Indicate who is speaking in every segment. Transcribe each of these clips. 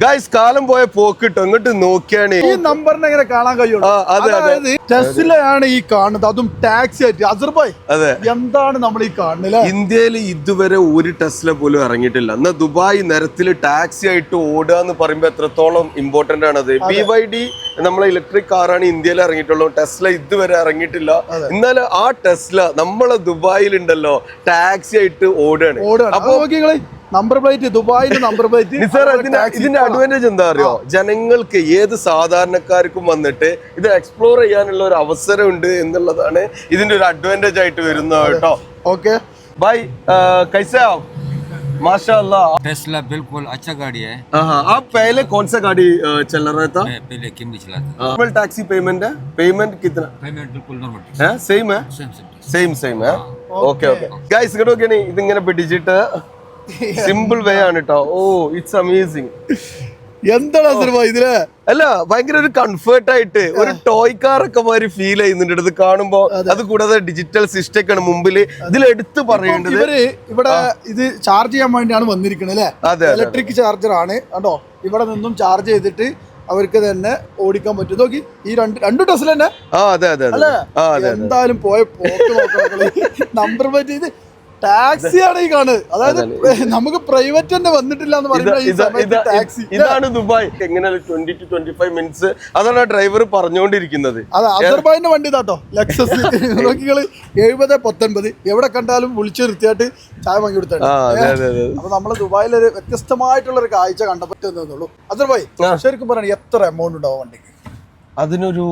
Speaker 1: Guys കാലം പോയ പോക്കിട്ടോ ഇങ്ങോട്ട് നോക്കിയാണ്
Speaker 2: ഈ നമ്പറിനെ എങ്ങനെ കാണാൻ കഴിയുള്ളൂ. അതായത് ടെസ്ലയാണ് ഈ കാണുന്നത്, അതും ടാക്സി ആയിട്ട്. അസർബായ് എന്താണ് നമ്മൾ ഈ കാണുന്നത്?
Speaker 1: ഇന്ത്യയിൽ ഇതുവരെ ഒരു ടെസ്ല പോലും ഇറങ്ങിയിട്ടില്ല. എന്നാൽ ദുബായ് നിരത്തിൽ ടാക്സി ആയിട്ട് ഓടുക എന്ന് പറയുമ്പോൾ എത്രത്തോളം ഇമ്പോർട്ടന്റ് ആണത്. BYD നമ്മളെ ഇലക്ട്രിക് കാറാണ് ഇന്ത്യയിൽ ഇറങ്ങിയിട്ടുള്ളൂ. ടെസ്ല ഇതുവരെ ഇറങ്ങിയിട്ടില്ല. എന്നാൽ ആ ടെസ്ല നമ്മളെ ദുബായിലുണ്ടല്ലോ ടാക്സി ആയിട്ട് ഓടുകയാണ്. അപ്പൊ
Speaker 2: നമ്പർ പ്ലേറ്റ്, ദുബായിന്റെ നമ്പർ പ്ലേറ്റ്.
Speaker 1: ഇതിന്റെ അഡ്വാൻറ്റേജ് എന്താ അറിയോ? ജനങ്ങൾക്ക് ഏത് സാധാരണക്കാർക്കും വന്നിട്ട് ഇത് എക്സ്പ്ലോർ ചെയ്യാനുള്ള ഒരു അവസരം ഉണ്ട് എന്നുള്ളതാണ് ഇതിന്റെ ഒരു അഡ്വാൻറ്റേജ് ആയിട്ട് വരുന്നത് കേട്ടോ.
Speaker 2: ഓക്കെ
Speaker 1: ബൈ कैसे आप? माशाअल्लाह
Speaker 3: टेस्ला बिल्कुल अच्छा गाड़ी है।
Speaker 1: आप पहले कौन सा गाड़ी चल रहा था?
Speaker 3: मैं पहले किमली चलाता था।
Speaker 1: नॉर्मल टैक्सी पेमेंट है? पेमेंट कितना
Speaker 3: पेमेंट बिल्कुल नॉर्मल
Speaker 1: है? सेम है? സെയിം है? ഓക്കെ ഓക്കെ ഗൈസ് ഇങ്ങോട്ട് നോക്കിയാണ് ഇതിങ്ങനെ പിടിച്ചിട്ട് സിമ്പിൾ വേ ആണ് കേട്ടോ. Oh it's amazing.
Speaker 2: എന്താണ് അസർബായ് ഇതില്?
Speaker 1: അല്ല ഭയങ്കര ഒരു കംഫർട്ട് ആയിട്ട് ഒരു ടോയ് കാർ ഒക്കെ മാതിരി ഫീൽ ചെയ്യുന്നുണ്ട് ഇത് കാണുമ്പോ. അത് കൂടാതെ ഡിജിറ്റൽ സിസ്റ്റം ഒക്കെയാണ് മുമ്പിൽ. ഇതിൽ എടുത്ത് പറയേണ്ടത്
Speaker 2: ഇവിടെ ഇത് ചാർജ് ചെയ്യാൻ വേണ്ടിയാണ് വന്നിരിക്കുന്നത് അല്ലേ? ഇലക്ട്രിക് ചാർജർ ആണ് കേട്ടോ. ഇവിടെ നിന്നും ചാർജ് ചെയ്തിട്ട് അവർക്ക് തന്നെ ഓടിക്കാൻ പറ്റും. നോക്കി ഈ രണ്ട് ടെസ്ല തന്നെ അല്ലേ? എന്തായാലും പോയ പോക്ക് നോക്കണം. നമ്പർ പ്ലേറ്റ് ഇത് ടാക്സിയാണ് ഈ കാണുന്നത്. അതായത് നമുക്ക് പ്രൈവറ്റ് തന്നെ വന്നിട്ടില്ല എന്ന് പറയുന്നത് ടാക്സി.
Speaker 1: ഇതാണ് ദുബായ്. എങ്ങനെ 20 to 25 മിനിറ്റ്സ് അതാണ് ഡ്രൈവർ പറഞ്ഞുകൊണ്ടിരിക്കുന്നത്.
Speaker 2: അതെ അസർബായിന്റെ വണ്ടി ഇതാട്ടോ, ലെക്സസ്. നോക്കികള് 70-19 എവിടെ കണ്ടാലും വിളിച്ചു നിർത്തിയായിട്ട് ചായ വാങ്ങി കൊടുത്താണ്. അപ്പൊ നമ്മള് ദുബായിലൊരു വ്യത്യസ്തമായിട്ടുള്ള ഒരു കാഴ്ച കണ്ടപ്പറ്റുന്നുള്ളൂ. അസർബായ് ശരിക്കും പറയണേ എത്ര എമൗണ്ട് ഉണ്ടാവും വണ്ടിക്ക്?
Speaker 1: അതിനൊരു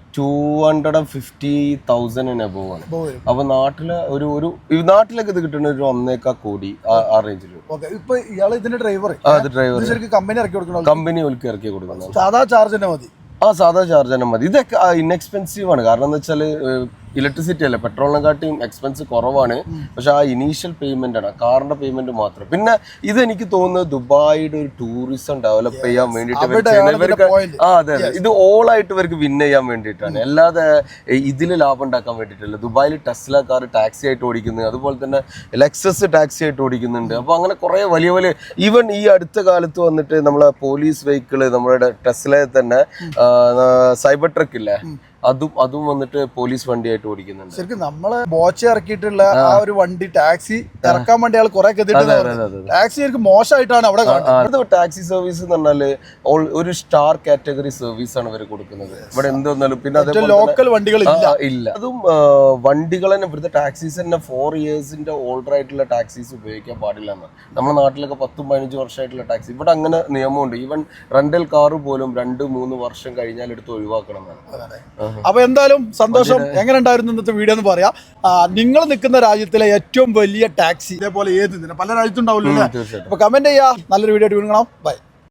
Speaker 1: 250,000 അബോവ് ആണ്. അപ്പൊ നാട്ടില് നാട്ടിലൊക്കെ ഇത് കിട്ടുന്ന ഒരു 1.25 കോടി ആ റേഞ്ചിൽ.
Speaker 2: ഇപ്പൊ ഇയാള് ഇതിന്റെ ഡ്രൈവർ കമ്പനി ഇറക്കി കൊടുക്കണം.
Speaker 1: കമ്പനി ഇറക്കി കൊടുക്കണം.
Speaker 2: സാധാ ചാർജ് തന്നെ മതി.
Speaker 1: സാധാ ചാർജ് തന്നെ മതി. ഇതൊക്കെ ഇൻഎക്സ്പെൻസീവ് ആണ്. കാരണം എന്താ വെച്ചാൽ ഇലക്ട്രിസിറ്റി അല്ലേ, പെട്രോളിനെക്കാട്ടിയും എക്സ്പെൻസ് കുറവാണ്. പക്ഷെ ആ ഇനീഷ്യൽ പേയ്മെന്റ് ആണ്, കാറിന്റെ പേയ്മെന്റ് മാത്രം. പിന്നെ ഇത് എനിക്ക് തോന്നുന്നത് ദുബായിയുടെ ഒരു ടൂറിസം ഡെവലപ്പ് ചെയ്യാൻ വേണ്ടിയിട്ട് അതെ ഇത് ഓൾ ആയിട്ട് ഇവർക്ക് വിൻ ചെയ്യാൻ വേണ്ടിയിട്ടാണ്. അല്ലാതെ ഇതിൽ ലാഭം ഉണ്ടാക്കാൻ വേണ്ടിയിട്ടല്ല. ദുബായിൽ ടെസ്ല കാർ ടാക്സി ആയിട്ട് ഓടിക്കുന്നത്, അതുപോലെ തന്നെ ലെക്സസ് ടാക്സി ആയിട്ട് ഓടിക്കുന്നുണ്ട്. അപ്പൊ അങ്ങനെ കുറെ വലിയ വലിയ ഈവൻ ഈ അടുത്ത കാലത്ത് വന്നിട്ട് നമ്മളെ പോലീസ് വെഹിക്കിള് നമ്മുടെ ടെസ്ലയിൽ തന്നെ സൈബർ ട്രക്ക് ഇല്ലേ, അതും വന്നിട്ട് പോലീസ് വണ്ടിയായിട്ട് ഓടിക്കുന്നുണ്ട്.
Speaker 2: ശരിക്കും നമ്മള് ബോച്ച ഇറക്കിയിട്ടുള്ള ആ ഒരു വണ്ടി ടാക്സി ഇറക്കാൻ വേണ്ടി ആൾ കുറെ ടാക്സി ശരിക്കും മോശമായിട്ടാണ് അവിടെ കാണുന്നത്.
Speaker 1: ടാക്സി സർവീസ് എന്ന് പറഞ്ഞാല് ഒരു സ്റ്റാർ കാറ്റഗറി സർവീസ് ആണ് ഇവർ കൊടുക്കുന്നത്. ഇവിടെ എന്ത് വന്നാലും പിന്നെ അതേപോലെ
Speaker 2: ലോക്കൽ വണ്ടികൾ
Speaker 1: ഇല്ല. അതും വണ്ടികൾ തന്നെ ഇവിടുത്തെ ടാക്സീസ് തന്നെ 4 ഇയേഴ്സിന്റെ ഓൾഡർ ആയിട്ടുള്ള ടാക്സീസ് ഉപയോഗിക്കാൻ പാടില്ല എന്ന്. നമ്മുടെ നാട്ടിലൊക്കെ 10-15 വർഷമായിട്ടുള്ള ടാക്സി, ഇവിടെ അങ്ങനെ നിയമമുണ്ട്. ഈവൻ റെന്റൽ കാറ് പോലും 2-3 വർഷം കഴിഞ്ഞാൽ എടുത്ത് ഒഴിവാക്കണം എന്നാണ്.
Speaker 2: അപ്പൊ എന്തായാലും സന്തോഷം. എങ്ങനെ ഉണ്ടായിരുന്നു ഇന്നത്തെ വീഡിയോ എന്ന് പറയാം. നിങ്ങൾ നിൽക്കുന്ന രാജ്യത്തിലെ ഏറ്റവും വലിയ ടാക്സി ഇതേപോലെ പല രാജ്യത്തും ഉണ്ടാവില്ല. അപ്പൊ കമന്റ് ചെയ്യാ. നല്ലൊരു വീഡിയോ ആയിട്ട് വീണ്ടും കാണാം. ബൈ.